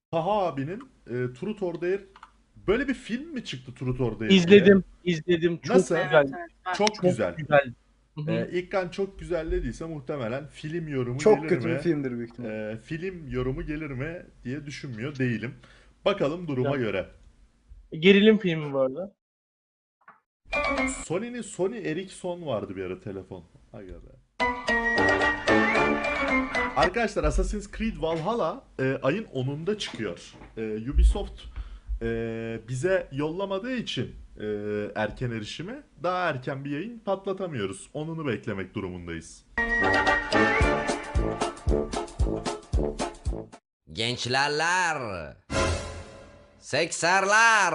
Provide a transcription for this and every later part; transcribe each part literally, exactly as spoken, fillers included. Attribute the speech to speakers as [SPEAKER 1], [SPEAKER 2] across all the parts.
[SPEAKER 1] Taha abinin e, Truth or Dare, böyle bir film mi çıktı Truth or Dare diye?
[SPEAKER 2] İzledim, izledim. Çok
[SPEAKER 1] Nasıl?
[SPEAKER 2] güzel.
[SPEAKER 3] Evet evet ben
[SPEAKER 1] Çok
[SPEAKER 2] Çok
[SPEAKER 1] güzel.
[SPEAKER 2] güzel. Hı hı.
[SPEAKER 1] E, İlkan çok güzel dediyse muhtemelen film yorumu
[SPEAKER 4] Çok
[SPEAKER 1] gelir
[SPEAKER 4] kötü bir
[SPEAKER 1] mi?
[SPEAKER 4] filmdir büyük ihtimal.
[SPEAKER 1] E, film yorumu gelir mi diye düşünmüyor değilim. Bakalım duruma
[SPEAKER 2] Güzel.
[SPEAKER 1] göre.
[SPEAKER 2] Gerilim filmi bu arada.
[SPEAKER 1] Sony'nin Sony Ericsson vardı bir ara telefon. Aga be. Arkadaşlar Assassin's Creed Valhalla e, ayın onunda çıkıyor. E, Ubisoft e, bize yollamadığı için e, erken erişimi daha erken bir yayın patlatamıyoruz. Onunu beklemek durumundayız.
[SPEAKER 5] Gençlerler, sekserler,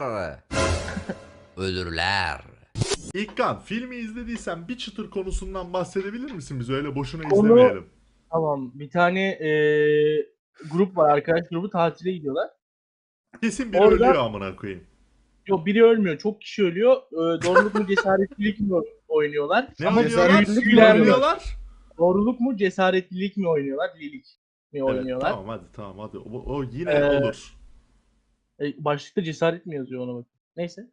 [SPEAKER 5] ölürler.
[SPEAKER 1] İlkan, filmi izlediysen bir çıtır konusundan bahsedebilir misin bize? Öyle boşuna
[SPEAKER 2] Onu-
[SPEAKER 1] izlemeyelim.
[SPEAKER 2] Tamam. Bir tane eee, grup var. Arkadaş grubu tatile gidiyorlar.
[SPEAKER 1] Kesin biri
[SPEAKER 2] Orada-
[SPEAKER 1] ölüyor amına koyayım.
[SPEAKER 2] Yok, biri ölmüyor. Çok kişi ölüyor. Eee, doğruluk mu cesaretlilik mi oynuyorlar?
[SPEAKER 1] Ne
[SPEAKER 2] Ama
[SPEAKER 1] oynuyorlar?
[SPEAKER 2] cesaretlilik
[SPEAKER 1] Ne
[SPEAKER 2] mi oynuyorlar?
[SPEAKER 1] oynuyorlar?
[SPEAKER 2] Doğruluk mu cesaretlilik mi oynuyorlar? Lilik mi
[SPEAKER 1] Evet,
[SPEAKER 2] oynuyorlar?
[SPEAKER 1] tamam hadi tamam hadi. O, o yine
[SPEAKER 2] Ee,
[SPEAKER 1] olur.
[SPEAKER 2] E, başlıkta cesaret mi yazıyor ona bak. Neyse.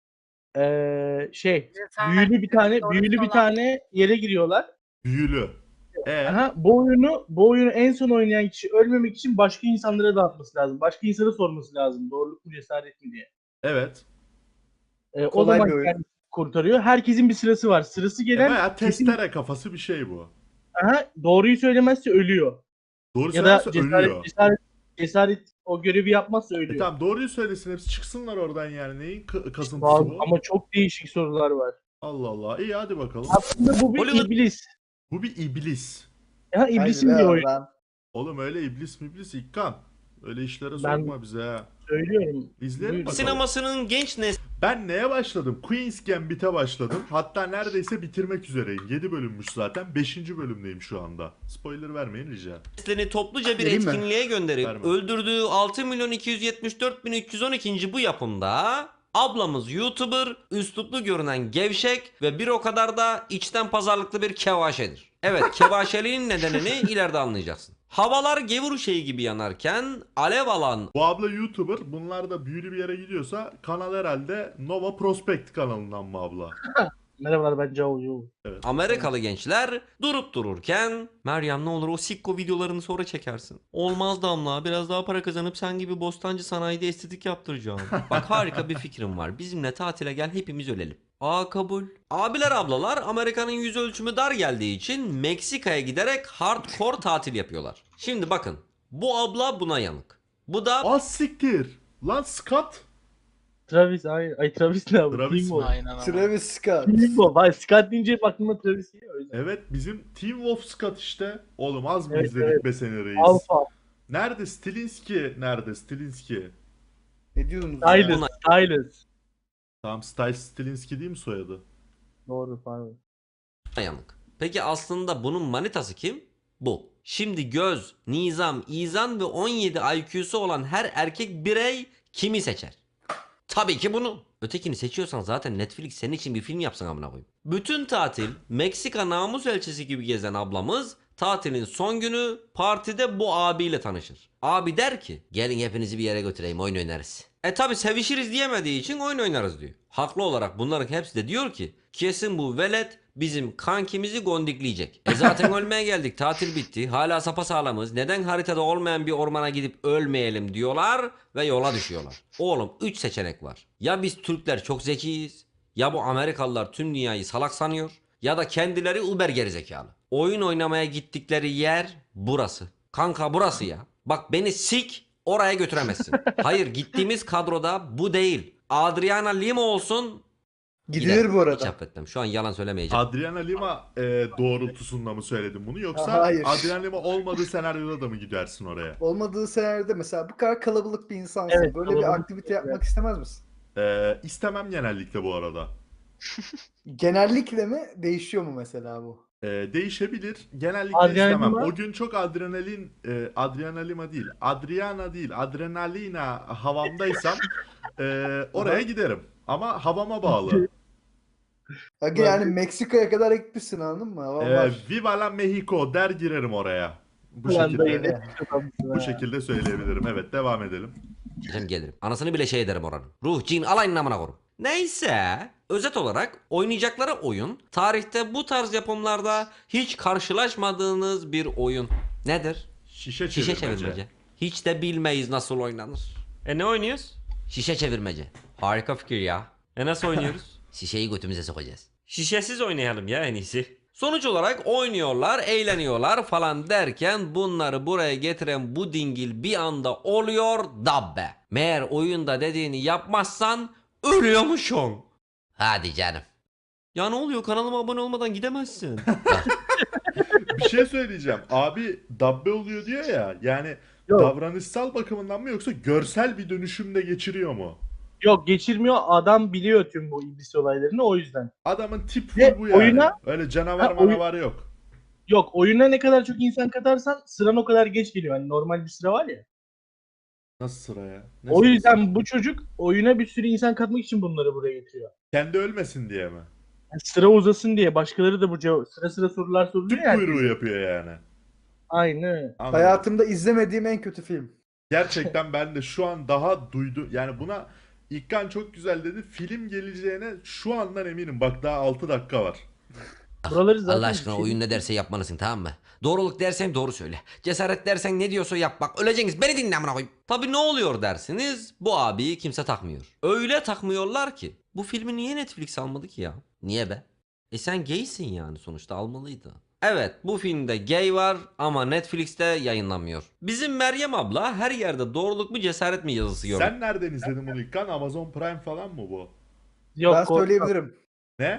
[SPEAKER 2] Eee şey,
[SPEAKER 3] Cesaret
[SPEAKER 2] büyülü bir tane
[SPEAKER 3] doğrusu
[SPEAKER 2] büyülü bir
[SPEAKER 3] olan.
[SPEAKER 2] tane yere giriyorlar.
[SPEAKER 1] Büyülü. E
[SPEAKER 2] Aha, bu oyunu bu oyunu en son oynayan kişi ölmemek için başka insanlara dağıtması lazım. Başka insana sorması lazım. Doğruluk mu cesaret mi diye.
[SPEAKER 1] evet.
[SPEAKER 2] Ee, o
[SPEAKER 4] Kolay
[SPEAKER 2] zaman
[SPEAKER 4] bir oyun.
[SPEAKER 2] kendisi kurtarıyor. Herkesin bir sırası var. Sırası
[SPEAKER 1] E,
[SPEAKER 2] gelen
[SPEAKER 1] bayağı
[SPEAKER 2] kesin,
[SPEAKER 1] testere kafası bir şey bu.
[SPEAKER 2] aha, doğruyu söylemezse ölüyor.
[SPEAKER 1] Doğru
[SPEAKER 2] Ya da
[SPEAKER 1] söylerse
[SPEAKER 2] cesaret,
[SPEAKER 1] ölüyor.
[SPEAKER 2] cesaret cesaret o görevi yapmazsa
[SPEAKER 1] E
[SPEAKER 2] ölüyor.
[SPEAKER 1] tamam doğruyu söylesin hepsi çıksınlar oradan yani. Neyin k- kasıntısı
[SPEAKER 2] Bazı-
[SPEAKER 1] bu?
[SPEAKER 2] ama çok değişik sorular var.
[SPEAKER 1] Allah Allah. İyi hadi bakalım.
[SPEAKER 2] Aslında bu bir
[SPEAKER 5] Hollywood-
[SPEAKER 2] iblis.
[SPEAKER 1] Bu bir iblis.
[SPEAKER 2] Ya iblisin
[SPEAKER 4] Haydi
[SPEAKER 2] bir
[SPEAKER 4] be
[SPEAKER 2] oyunu.
[SPEAKER 4] oradan.
[SPEAKER 1] Oğlum öyle iblis mi iblis İkkan. Öyle işlere
[SPEAKER 2] Ben-
[SPEAKER 1] sokma bize ha.
[SPEAKER 2] Söylüyorum.
[SPEAKER 1] İzleyelim
[SPEAKER 2] Buyurun.
[SPEAKER 1] bakalım.
[SPEAKER 5] Sinemasının genç nesli
[SPEAKER 1] Ben neye başladım? Queen's Gambit'e başladım. Hatta neredeyse bitirmek üzereyim. yedi bölünmüş zaten. beşinci bölümdeyim şu anda. Spoiler vermeyin rica.
[SPEAKER 5] neslini topluca bir
[SPEAKER 4] Vereyim mi?
[SPEAKER 5] etkinliğe gönderip
[SPEAKER 1] Verme.
[SPEAKER 5] öldürdüğü altı milyon iki yüz yetmiş dört bin üç yüz on iki. bu yapımda ablamız YouTuber, üsluplu görünen gevşek ve bir o kadar da içten pazarlıklı bir kevaşedir. Evet, kevaşeliğin nedenini ileride anlayacaksın. Havalar gevur şeyi gibi yanarken alev alan
[SPEAKER 1] Bu abla YouTuber. Bunlar da büyülü bir yere gidiyorsa kanal herhalde Nova Prospect kanalından mı abla?
[SPEAKER 2] Merhabalar, ben Cao Yu.
[SPEAKER 5] Amerikalı gençler durup dururken Meryem ne olur o sikko videolarını sonra çekersin. Olmaz Damla, biraz daha para kazanıp sen gibi Bostancı sanayide estetik yaptıracağım. Bak harika bir fikrim var, bizimle tatile gel hepimiz ölelim. Aa kabul. Abiler ablalar Amerika'nın yüz ölçümü dar geldiği için Meksika'ya giderek hardcore tatil yapıyorlar. Şimdi bakın, bu abla buna yanık. Bu da
[SPEAKER 1] Az siktir. Lan Scott.
[SPEAKER 2] Travis, ay, ay Travis ne abi?
[SPEAKER 1] Travis
[SPEAKER 2] Team
[SPEAKER 1] mi?
[SPEAKER 2] Wolf.
[SPEAKER 3] Aynen ama.
[SPEAKER 4] Travis Scott.
[SPEAKER 2] Team Wolf. Ay, Scott deyince hep aklıma Travis geliyor. o yüzden.
[SPEAKER 1] Evet bizim Team Wolf Scott işte. Oğlum az mı
[SPEAKER 2] Evet,
[SPEAKER 1] izledik
[SPEAKER 2] evet.
[SPEAKER 1] be seni reis?
[SPEAKER 2] Alpha,
[SPEAKER 1] Nerede Stilinski? Nerede Stilinski?
[SPEAKER 4] Ne diyorsunuz ya?
[SPEAKER 2] Stylus, Stylus.
[SPEAKER 1] Tamam Stiles Stilinski değil mi soyadı?
[SPEAKER 2] Doğru, pardon.
[SPEAKER 5] yanık. Peki aslında bunun manitası kim? Bu. Şimdi göz, nizam, izan ve on yedi I Q'su olan her erkek birey kimi seçer? Tabii ki bunu. Ötekini seçiyorsan zaten Netflix senin için bir film yapsın amına koyayım. Bütün tatil Meksika namus elçisi gibi gezen ablamız tatilin son günü partide bu abiyle tanışır. Abi der ki gelin hepinizi bir yere götüreyim oyun oynarız. E tabi sevişiriz diyemediği için oyun oynarız diyor. Haklı olarak bunların hepsi de diyor ki kesin bu velet bizim kankimizi gondikleyecek. E zaten ölmeye geldik, tatil bitti, hala sapasağlamız, neden haritada olmayan bir ormana gidip ölmeyelim diyorlar ve yola düşüyorlar. Oğlum üç seçenek var. Ya biz Türkler çok zekiyiz, ya bu Amerikalılar tüm dünyayı salak sanıyor, ya da kendileri uber gerizekalı. Oyun oynamaya gittikleri yer burası. Kanka burası ya. Bak beni sik oraya götüremezsin. Hayır, gittiğimiz kadroda bu değil. Adriana Lima olsun.
[SPEAKER 4] Gidilir
[SPEAKER 5] giderim.
[SPEAKER 4] bu
[SPEAKER 5] Hiç
[SPEAKER 4] arada.
[SPEAKER 5] affetmem. Şu an yalan söylemeyeceğim.
[SPEAKER 1] Adriana Lima e, doğrultusunda mı söyledin bunu yoksa
[SPEAKER 4] Hayır.
[SPEAKER 1] Adriana Lima olmadığı senaryoda da mı gidersin oraya?
[SPEAKER 4] Olmadığı senaryoda mesela bu kadar kalabalık bir insansın.
[SPEAKER 2] Evet,
[SPEAKER 4] Böyle bir
[SPEAKER 2] kalabalık
[SPEAKER 4] aktivite
[SPEAKER 2] bir-
[SPEAKER 4] yapmak istemez misin?
[SPEAKER 1] E, istemem genellikle bu arada.
[SPEAKER 4] Genellikle mi? Değişiyor mu mesela bu?
[SPEAKER 1] E, değişebilir. Genellikle
[SPEAKER 2] Adriana
[SPEAKER 1] istemem.
[SPEAKER 2] Lima-
[SPEAKER 1] O gün çok adrenalin, e, Adriana Lima değil, Adriana değil, adrenalina havamdaysam e, oraya giderim. Ama havama bağlı.
[SPEAKER 4] Aga yani Meksika'ya kadar gitmişsin anladın mı? Hava
[SPEAKER 1] e,
[SPEAKER 4] var.
[SPEAKER 1] Viva la Mexico der girerim oraya. Bu
[SPEAKER 2] Ulan dayı
[SPEAKER 1] şekilde
[SPEAKER 2] ne pis adamsın
[SPEAKER 1] bu
[SPEAKER 2] ha.
[SPEAKER 1] şekilde söyleyebilirim. Evet, devam edelim.
[SPEAKER 5] Gelirim gelirim. Anasını bile şey ederim oranın. Ruh, cin, alayın amına korum. Neyse. Özet olarak oynayacakları oyun tarihte bu tarz yapımlarda hiç karşılaşmadığınız bir oyun. Nedir?
[SPEAKER 1] Şişe
[SPEAKER 5] Şişe
[SPEAKER 1] çevirmece.
[SPEAKER 5] çevirmece. Hiç de bilmeyiz nasıl oynanır. E ne oynuyoruz? Şişe çevirmece. Harika fikir ya. E nasıl oynuyoruz? Şişeyi götümüze sokacağız. Şişesiz oynayalım ya en iyisi. Sonuç olarak oynuyorlar, eğleniyorlar falan derken bunları buraya getiren bu dingil bir anda oluyor dabbe. Meğer oyunda dediğini yapmazsan ölüyormuşsun. Hadi canım. Ya ne oluyor, kanalıma abone olmadan gidemezsin.
[SPEAKER 1] Bir şey söyleyeceğim. Abi dabbe oluyor diyor ya. Yani
[SPEAKER 2] Yok.
[SPEAKER 1] davranışsal bakımından mı yoksa görsel bir dönüşümde geçiriyor mu?
[SPEAKER 2] Yok geçirmiyor. Adam biliyor tüm bu iblis olaylarını o yüzden.
[SPEAKER 1] Adamın tip full
[SPEAKER 2] Ve
[SPEAKER 1] bu yani.
[SPEAKER 2] oyuna-
[SPEAKER 1] Öyle canavar
[SPEAKER 2] Ha, oyun-
[SPEAKER 1] manavar yok.
[SPEAKER 2] Yok oyuna ne kadar çok insan katarsan sıran o kadar geç geliyor. Hani normal bir sıra var ya.
[SPEAKER 1] Nasıl sıra ya? Ne
[SPEAKER 2] O
[SPEAKER 1] sırası?
[SPEAKER 2] yüzden bu çocuk oyuna bir sürü insan katmak için bunları buraya getiriyor.
[SPEAKER 1] Kendi ölmesin diye mi?
[SPEAKER 2] Yani sıra uzasın diye başkaları da bu cevap sıra sıra sorular soruluyor
[SPEAKER 1] Tüp
[SPEAKER 2] ya.
[SPEAKER 1] kuyruğu yapıyor yani.
[SPEAKER 2] Aynen.
[SPEAKER 1] Anladım.
[SPEAKER 4] Hayatımda izlemediğim en kötü film.
[SPEAKER 1] Gerçekten ben de şu an daha duydu. Yani buna İlkan çok güzel dedi. Film geleceğine şu andan eminim. Bak daha altı dakika var.
[SPEAKER 2] Buraları zaten
[SPEAKER 5] Allah aşkına
[SPEAKER 2] bir şey-
[SPEAKER 5] oyun ne derse yapmalısın, tamam mı? Doğruluk dersen doğru söyle. Cesaret dersen ne diyorsa yap, bak öleceksiniz, beni dinle amına koyayım. Tabii ne oluyor dersiniz, bu abiyi kimse takmıyor. Öyle takmıyorlar ki. Bu filmi niye Netflix almadı ki ya? Niye be? E sen gaysin yani, sonuçta almalıydı. Evet, bu filmde gay var ama Netflix'te yayınlanmıyor. Bizim Meryem abla her yerde doğruluk mu cesaret mi yazısı gördü.
[SPEAKER 1] Sen nereden izledin bunu İlkan? Amazon Prime falan mı bu?
[SPEAKER 2] Yok,
[SPEAKER 4] Ben
[SPEAKER 2] korkma.
[SPEAKER 4] söyleyebilirim.
[SPEAKER 1] Ne?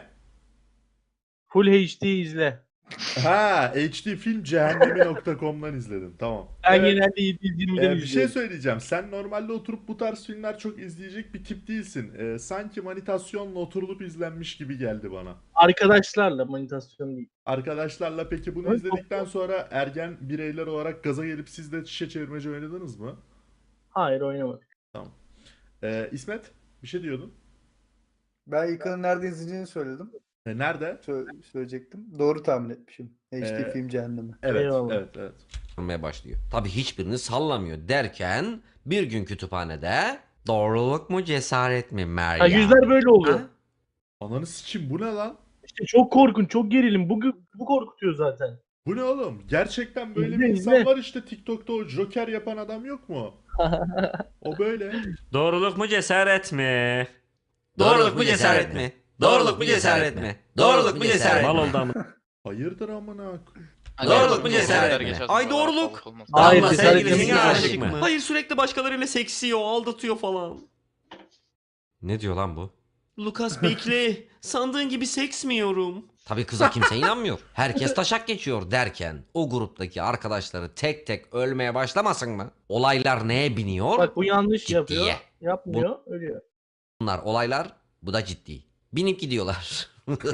[SPEAKER 2] Full H D izle.
[SPEAKER 1] Ha, H D film cehennemi nokta com'dan izledim. Tamam.
[SPEAKER 2] Ben
[SPEAKER 1] Evet,
[SPEAKER 2] genelde yedi yüz yirmiden
[SPEAKER 1] e, bir şey
[SPEAKER 2] izliyorum.
[SPEAKER 1] söyleyeceğim. Sen normalde oturup bu tarz filmler çok izleyecek bir tip değilsin. E, sanki manitasyonla oturulup izlenmiş gibi geldi bana.
[SPEAKER 2] Arkadaşlarla manitasyon değil.
[SPEAKER 1] Arkadaşlarla peki bunu
[SPEAKER 2] Evet,
[SPEAKER 1] izledikten sonra ergen bireyler olarak gaza gelip siz de şişe çevirmece oynadınız mı?
[SPEAKER 2] Hayır oynamadık.
[SPEAKER 1] E, İsmet bir şey diyordun.
[SPEAKER 4] Ben İlkan'ın nerede izleyeceğini söyledim.
[SPEAKER 1] E, nerede?
[SPEAKER 4] Sö- söyleyecektim. Doğru tahmin etmişim. H D
[SPEAKER 1] Ee,
[SPEAKER 4] film cehennemi.
[SPEAKER 1] Evet,
[SPEAKER 2] Eyvallah.
[SPEAKER 1] evet, evet.
[SPEAKER 5] Olmaya başlıyor. Tabii hiçbirini sallamıyor derken bir gün kütüphanede doğruluk mu cesaret mi Meryem?
[SPEAKER 2] Ha, yüzler böyle oluyor.
[SPEAKER 5] Ha?
[SPEAKER 1] Ananı sikim bu ne lan?
[SPEAKER 2] İşte çok korkunç, çok gerilim. Bu, bu korkutuyor zaten.
[SPEAKER 1] Bu ne oğlum? Gerçekten böyle
[SPEAKER 2] İzle,
[SPEAKER 1] bir insan
[SPEAKER 2] izle.
[SPEAKER 1] var işte TikTok'ta o Joker yapan adam yok mu? O böyle.
[SPEAKER 5] Doğruluk mu cesaret mi?
[SPEAKER 3] Doğruluk mu cesaret mi? Doğruluk mu cesaret mi? Doğruluk mu cesaret mi?
[SPEAKER 5] Mal oldu ama.
[SPEAKER 1] Hayırdır amına?
[SPEAKER 3] Doğruluk mu cesaret mi?
[SPEAKER 5] Ay doğruluk.
[SPEAKER 2] Hayır,
[SPEAKER 5] Damla
[SPEAKER 2] cesaret
[SPEAKER 5] sevgilisine
[SPEAKER 2] yok.
[SPEAKER 5] aşık mı? Hayır, sürekli başkalarıyla seksiyor, aldatıyor falan. Ne diyor lan bu? Lucas bekle. Sandığın gibi seksmiyorum. Tabii kıza kimse inanmıyor. Herkes taşak geçiyor derken o gruptaki arkadaşları tek tek ölmeye başlamasın mı? Olaylar neye biniyor?
[SPEAKER 2] Bak bu yanlış
[SPEAKER 5] Ciddiye.
[SPEAKER 2] yapıyor. Yapmıyor, ölüyor.
[SPEAKER 5] Bunlar olaylar, bu da ciddi. Binip gidiyorlar.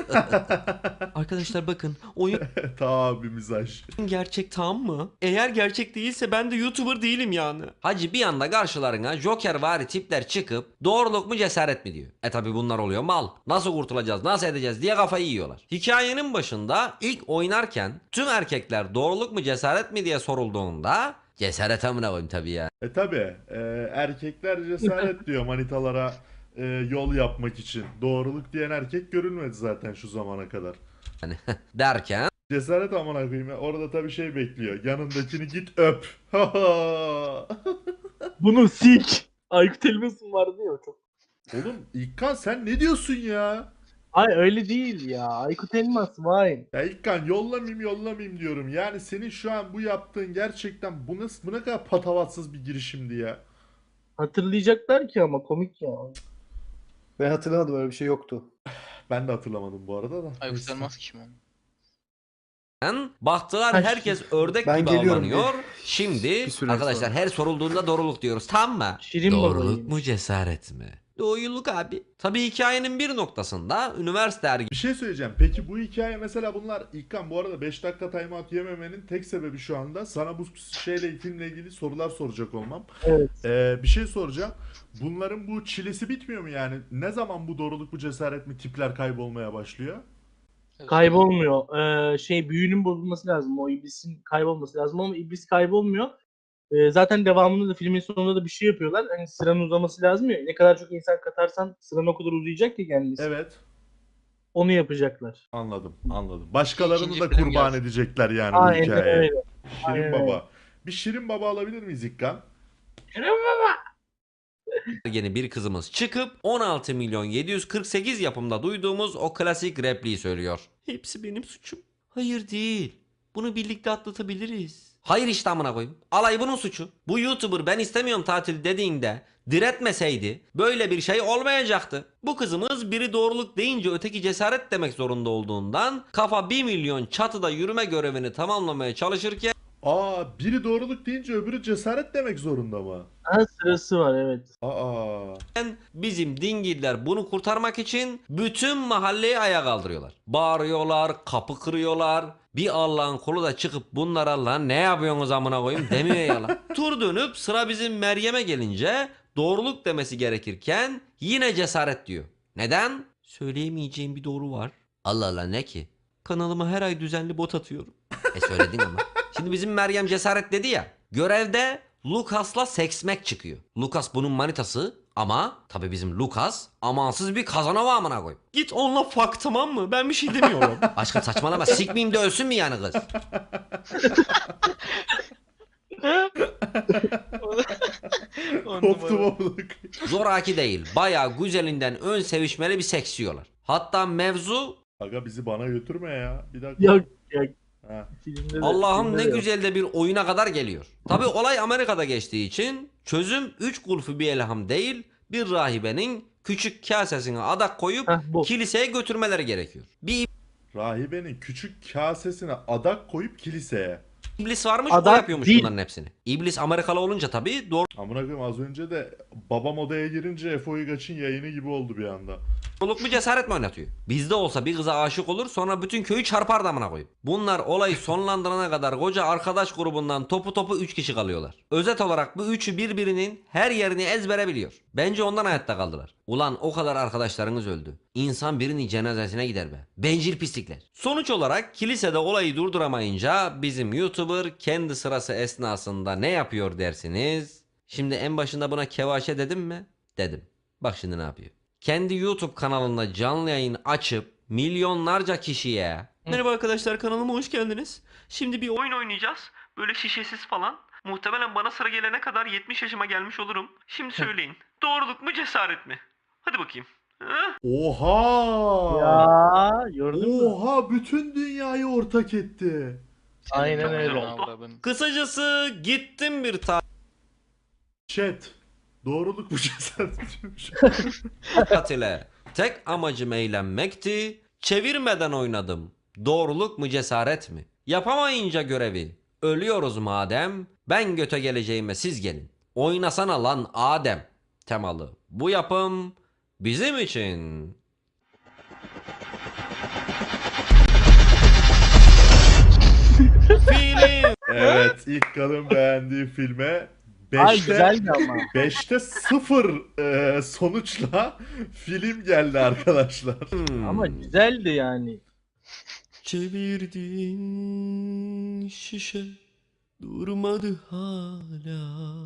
[SPEAKER 5] Arkadaşlar bakın, oyun
[SPEAKER 1] Tabi mizaj.
[SPEAKER 5] gerçek, tamam mı? Eğer gerçek değilse ben de YouTuber değilim yani. Hacı bir anda karşılarına Joker vari tipler çıkıp doğruluk mu cesaret mi diyor. E tabi bunlar oluyor mal. Nasıl kurtulacağız, nasıl edeceğiz diye kafayı yiyorlar. Hikayenin başında ilk oynarken tüm erkekler doğruluk mu cesaret mi diye sorulduğunda cesaret amına koyayım tabi ya.
[SPEAKER 1] E tabi erkekler cesaret diyor manitalara e, yol yapmak için. Doğruluk diyen erkek görülmedi zaten şu zamana kadar.
[SPEAKER 5] Derken
[SPEAKER 1] Cesaret amına koyayım ya. Orada tabi şey bekliyor. Yanındakini git öp.
[SPEAKER 2] Bunu sik. Aykut Elmas'ın vardı ya o çok.
[SPEAKER 1] Oğlum İlkan sen ne diyorsun ya?
[SPEAKER 2] Ay öyle değil ya. Aykut Elmas vay.
[SPEAKER 1] Ya İlkan yollamayayım yollamayayım diyorum. Yani senin şu an bu yaptığın gerçekten bu nasıl bu ne kadar patavatsız bir girişimdi ya.
[SPEAKER 2] Hatırlayacaklar ki ama komik ya.
[SPEAKER 4] Ben hatırlamadım, öyle bir şey yoktu.
[SPEAKER 1] Ben de hatırlamadım bu arada da.
[SPEAKER 3] Aykut
[SPEAKER 1] Neyse.
[SPEAKER 3] Elmas kim o?
[SPEAKER 5] baktılar
[SPEAKER 2] Ha,
[SPEAKER 5] herkes ördek
[SPEAKER 4] ben
[SPEAKER 5] gibi
[SPEAKER 4] geliyorum
[SPEAKER 5] avlanıyor. Şimdi
[SPEAKER 4] Bir süre
[SPEAKER 5] arkadaşlar
[SPEAKER 4] sonra.
[SPEAKER 5] her sorulduğunda doğruluk diyoruz, tamam mı?
[SPEAKER 2] Şirin
[SPEAKER 5] Doğruluk
[SPEAKER 2] babaymış.
[SPEAKER 5] mu cesaret mi? Doğruluk abi. Tabii hikayenin bir noktasında üniversite
[SPEAKER 1] Bir şey söyleyeceğim. Peki bu hikaye mesela bunlar İlkan bu arada beş dakika timeout yememenin tek sebebi şu anda sana bu şeyle filmle ilgili sorular soracak olmam.
[SPEAKER 2] Evet.
[SPEAKER 1] Ee, bir şey soracağım. Bunların bu çilesi bitmiyor mu yani? Ne zaman bu doğruluk bu cesaret mi tipler kaybolmaya başlıyor?
[SPEAKER 2] Kaybolmuyor. Ee, şey büyünün bozulması lazım. O iblisin kaybolması lazım ama iblis kaybolmuyor. Ee, zaten devamında da filmin sonunda da bir şey yapıyorlar. Hani sıranın uzaması lazım ya. Ne kadar çok insan katarsan sıran o kadar uzayacak ki kendisi.
[SPEAKER 1] Evet.
[SPEAKER 2] Onu yapacaklar.
[SPEAKER 1] Anladım, anladım. Başkalarını
[SPEAKER 3] İkinci
[SPEAKER 1] da
[SPEAKER 3] film
[SPEAKER 1] kurban
[SPEAKER 3] gelsin.
[SPEAKER 1] edecekler yani bu
[SPEAKER 2] Aynen
[SPEAKER 1] hikayeye.
[SPEAKER 2] öyle.
[SPEAKER 1] Şirin
[SPEAKER 2] Aynen
[SPEAKER 1] Baba.
[SPEAKER 2] öyle.
[SPEAKER 1] Bir Şirin Baba alabilir miyiz İkkan?
[SPEAKER 5] Yeni bir kızımız çıkıp on altı milyon yedi yüz kırk sekiz yapımda duyduğumuz o klasik repliği söylüyor. Hepsi benim suçum. Hayır değil. Bunu birlikte atlatabiliriz. Hayır işte amına koyayım. Alay bunun suçu. Bu YouTuber ben istemiyorum tatil dediğinde diretmeseydi böyle bir şey olmayacaktı. Bu kızımız biri doğruluk deyince öteki cesaret demek zorunda olduğundan kafa bir milyon çatıda yürüme görevini tamamlamaya çalışırken
[SPEAKER 1] Aa, biri doğruluk deyince öbürü cesaret demek zorunda mı?
[SPEAKER 2] Ha, sırası var evet.
[SPEAKER 1] Aa.
[SPEAKER 5] bizim dingiller bunu kurtarmak için bütün mahalleyi ayağa kaldırıyorlar. Bağırıyorlar, kapı kırıyorlar. Bir Allah'ın kulu da çıkıp bunlara lan ne yapıyorsunuz amına koyayım demiyor ya lan. Tur dönüp sıra bizim Meryem'e gelince doğruluk demesi gerekirken yine cesaret diyor. Neden? Söyleyemeyeceğim bir doğru var. Allah Allah ne ki? Kanalıma her ay düzenli bot atıyorum. E söyledin ama. Şimdi bizim Meryem cesaret dedi ya. Görevde Lucas'la seksmek çıkıyor. Lucas bunun manitası ama tabii bizim Lucas amansız bir kazanova amına koy. Git onunla fuck tamam mı? Ben bir şey demiyorum. Aşkım saçmalama sikmeyeyim de ölsün mü yani kız?
[SPEAKER 1] Koptum amlık.
[SPEAKER 5] Zoraki değil. Bayağı güzelinden ön sevişmeli bir seks yiyorlar. Hatta mevzu
[SPEAKER 1] Aga bizi bana götürme ya. Bir dakika.
[SPEAKER 2] Yok yok.
[SPEAKER 1] Ha.
[SPEAKER 2] Filmde de,
[SPEAKER 5] Allah'ım
[SPEAKER 2] filmde
[SPEAKER 5] ne
[SPEAKER 2] de yok.
[SPEAKER 5] güzel de bir oyuna kadar geliyor. Tabii olay Amerika'da geçtiği için çözüm üç kulfu bir elham değil bir rahibenin küçük kasesine adak koyup
[SPEAKER 2] Heh, bu.
[SPEAKER 5] kiliseye götürmeleri gerekiyor. Bir
[SPEAKER 1] Rahibenin küçük kasesine adak koyup kiliseye.
[SPEAKER 5] iblis varmış o
[SPEAKER 2] Adak
[SPEAKER 5] yapıyormuş
[SPEAKER 2] değil.
[SPEAKER 5] bunların hepsini. İblis Amerikalı olunca tabii doğru
[SPEAKER 1] Amına koyayım az önce de babam odaya girince Efe Uygaç'ın yayını gibi oldu bir anda.
[SPEAKER 5] Doğruluk mu cesaret mi oynatıyor? Bizde olsa bir kıza aşık olur sonra bütün köyü çarpar damına koyup. Bunlar olayı sonlandırana kadar koca arkadaş grubundan topu topu üç kişi kalıyorlar. Özet olarak bu üçü birbirinin her yerini ezbere biliyor. Bence ondan hayatta kaldılar. Ulan o kadar arkadaşlarınız öldü. İnsan birinin cenazesine gider be. Bencil pislikler. Sonuç olarak kilisede olayı durduramayınca bizim YouTuber kendi sırası esnasında ne yapıyor dersiniz? Şimdi en başında buna kevaşe dedim mi? Dedim. Bak şimdi ne yapıyor? Kendi YouTube kanalında canlı yayın açıp milyonlarca kişiye merhaba arkadaşlar kanalıma hoş geldiniz. Şimdi bir oyun oynayacağız. Böyle şişesiz falan. Muhtemelen bana sıra gelene kadar yetmiş yaşıma gelmiş olurum. Şimdi söyleyin. Doğruluk mu cesaret mi? Hadi bakayım. Ha?
[SPEAKER 1] Oha!
[SPEAKER 2] Ya gördün mü?
[SPEAKER 1] Oha bütün dünyayı ortak etti.
[SPEAKER 2] Aynen
[SPEAKER 3] Çok güzel
[SPEAKER 2] öyle.
[SPEAKER 3] oldu.
[SPEAKER 5] Kısacası gittim bir
[SPEAKER 1] Chat. Doğruluk bu cesaret diyormuş.
[SPEAKER 5] tatile. Tek amacım eğlenmekti. Çevirmeden oynadım. Doğruluk mu cesaret mi? Yapamayınca görevi. Ölüyoruz madem. Ben göte geleceğime siz gelin. Oynasana lan Adem. Temalı. Bu yapım bizim için. Film.
[SPEAKER 1] Evet ilk kadın beğendiği filme
[SPEAKER 2] Ay
[SPEAKER 1] beşte
[SPEAKER 2] güzeldi ama.
[SPEAKER 1] beşte sıfır e, sonuçla film geldi arkadaşlar.
[SPEAKER 2] Ama güzeldi yani.
[SPEAKER 5] Çevirdin şişe durmadı hala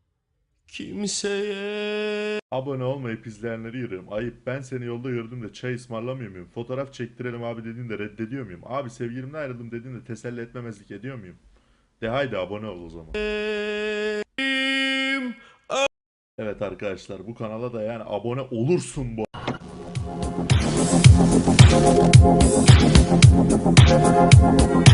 [SPEAKER 5] kimseye.
[SPEAKER 1] Abone olmayıp izleyenleri yürüyorum. Ayıp ben seni yolda gördüm de çay ısmarlamıyor muyum? Fotoğraf çektirelim abi dediğinde reddediyor muyum? Abi sevgilimden ayrıldım dediğinde teselli etmemezlik ediyor muyum? De haydi abone ol o zaman. Evet arkadaşlar bu kanala da yani abone olursun bu.